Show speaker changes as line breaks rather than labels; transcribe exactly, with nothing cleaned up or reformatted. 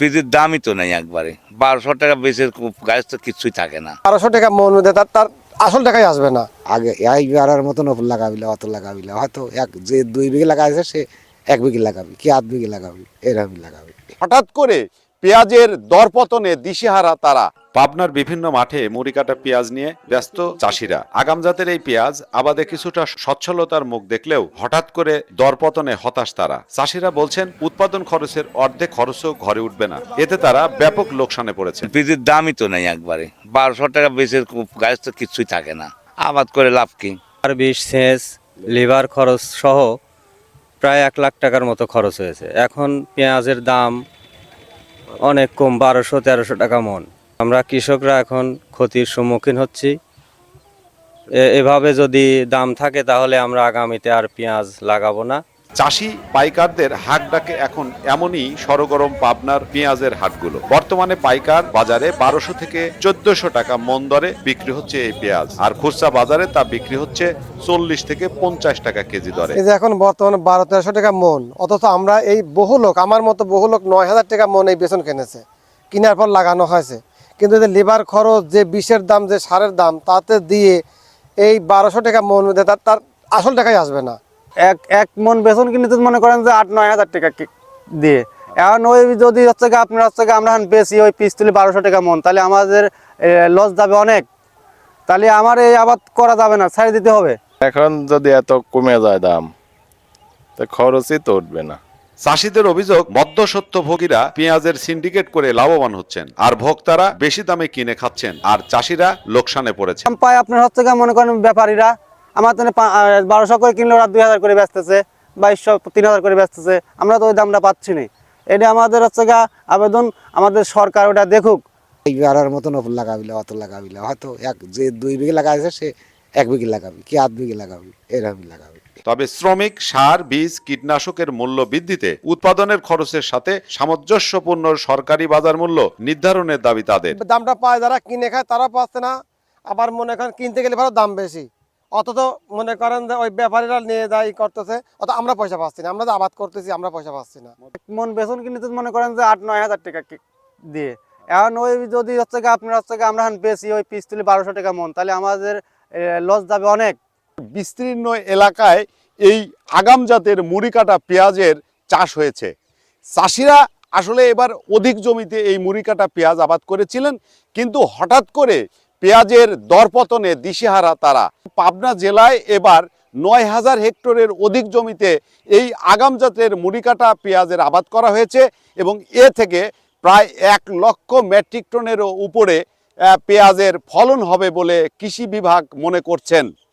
পেঁয়াজের দামই তো নেই একবারে, বারোশো টাকা বেচে গাছ তো কিছুই থাকে না।
বারোশো টাকা মন তার তার আসল টাকাই আসবে না।
আগে এই বেড়ার মতন ওপর লাগাবিলে অত লাগাবিলে হয়তো এক যে দুই বিঘে লাগাইছে সে এক বিঘে লাগাবি কি আধ বিঘে লাগাবি এরকমই লাগাবি।
হঠাৎ করে পেঁয়াজের দরপতনে দিশেহারা তারা।
পাবনার বিভিন্ন মাঠে মুড়ি কাটা পেঁয়াজ নিয়ে ব্যস্ত চাষিরা। আগাম জাতের এই পেঁয়াজ আবাদে কিছুটা সচ্ছলতার মুখ দেখলেও হঠাৎ করে দরপতনে হতাশ তারা। চাষিরা বলছেন উৎপাদন খরচের অর্ধেক খরচও ঘরে উঠবে না, এতে তারা ব্যাপক লোকসানে পড়েছে।
পেঁয়াজের দামই তো নেই একবারে, বারোশো টাকা বেচে গাছ তো কিছুই থাকে না, আবাদ করে লাভ কি?
আর বিশ সেচ লিভার খরচ সহ প্রায় এক লাখ টাকার মতো খরচ হয়েছে। এখন পেঁয়াজের দাম অনেক কম, বারোশো তেরোশো টাকা মন। আমরা কৃষকরা এখন ক্ষতির সম্মুখীন হচ্ছি। এভাবে যদি দাম থাকে তাহলে আমরা আগামীতে আর পেঁয়াজ লাগাবো না।
চাষি পাইকারদের হাট ডাকে এখন এমনই সরগরম পাবনার পেঁয়াজের হাটগুলো। বর্তমানে পাইকার বাজারে বারোশো থেকে চোদ্দশো টাকা মন দরে বিক্রি হচ্ছে এই পেঁয়াজ, আর খুচরা বাজারে তা বিক্রি হচ্ছে চল্লিশ থেকে পঞ্চাশ টাকা কেজি দরে।
এই যে এখন বর্তমানে বারো তেরোশো টাকা মন, অথচ আমরা এই বহু লোক, আমার মতো বহু লোক নয় হাজার টাকা মন এই বেসন কিনেছে, কেনার পর লাগানো হয়েছে। কিন্তু যে লিভার খরচ, যে বিষের দাম, যে সারের দাম, তাতে দিয়ে এই বারোশো টাকা মন তার তার আসল টাকাই আসবে না।
এক এক মন বেসন কিনতে মনে করেন যে আট নয় হাজার টাকা দিয়ে, এখন ওই যদি হচ্ছে গিয়ে আপনার হচ্ছে গিয়ে আমরা বেশি ওই পিস তুলি বারোশো টাকা মন, তাহলে আমাদের লস যাবে অনেক। তাহলে আমার এই আবাদ করা যাবে না, ছাড়ে দিতে হবে।
এখন যদি এত কমে যায় দাম, তো খরচই তো উঠবে না।
চাষিদের অভিযোগ, মধ্যস্বত্বভোগীরা পেঁয়াজের সিন্ডিকেট করে লাভবান হচ্ছেন, আর ভোক্তারা বেশি দামে কিনে খাচ্ছেন, আর চাষিরা লোকসানে পড়েছে।
দাম পায় আপনার হচ্ছে গিয়ে মনে করেন ব্যাপারীরা, আমার তো বারোশো করে কিনলে ওরা দুই হাজার করে বেচতেছে, বাইশশো তিন হাজার করে বেচতেছে, আমরা তো ওই দামটা পাচ্ছি না। এটা আমাদের হচ্ছে গিয়ে আবেদন, আমাদের সরকার ওটা দেখুক।
এই বেড়ার মতন ওপর লাগাবিলে অত লাগাবিলে হয়তো এক যে দুই বিঘে লাগাইছে সে এক বিঘে লাগাবি কি আধ বিঘে লাগাবি এরকমই লাগাবি।
তবে শ্রমিক, সার, বীজ, কীটনাশকের মূল্য বৃদ্ধিতে উৎপাদনের খরচের সাথে সামঞ্জস্যপূর্ণ সরকারি বাজার মূল্য নির্ধারণের দাবি তাদের।
দামটা পায় যারা কিনে খায় তারা পাচ্ছে না, আবার মনে করেন কিনতে গেলে ভালো দাম বেশি, অথচ মনে করেন যে ওই ব্যাপারীরা নিয়ে যায় করতেছে, অত আমরা পয়সা পাচ্ছি না। আমরা যে আবাদ করতেছি আমরা পয়সা পাচ্ছি না।
এক মন বেসন কিনতে মনে করেন যে আট নয় হাজার টাকা দিয়ে, এখন ওই যদি হচ্ছে গিয়ে আপনার হচ্ছে গিয়ে আমরা বেশি ওই পিস তুলি বারোশো টাকা মন, তাহলে আমাদের লস যাবে অনেক।
বিস্তীর্ণ এলাকায় এই আগাম জাতের মুড়ি কাটা পেঁয়াজের চাষ হয়েছে। চাষিরা আসলে এবার অধিক জমিতে এই মুড়ি কাটা পেঁয়াজ আবাদ করেছিলেন, কিন্তু হঠাৎ করে পেঁয়াজের দরপতনে দিশেহারা তারা। পাবনা জেলায় এবার নয় হাজার হেক্টরের অধিক জমিতে এই আগাম জাতের মুড়ি কাটা পেঁয়াজের আবাদ করা হয়েছে, এবং এ থেকে প্রায় এক লক্ষ মেট্রিক টনেরও উপরে পেঁয়াজের ফলন হবে বলে কৃষি বিভাগ মনে করছেন।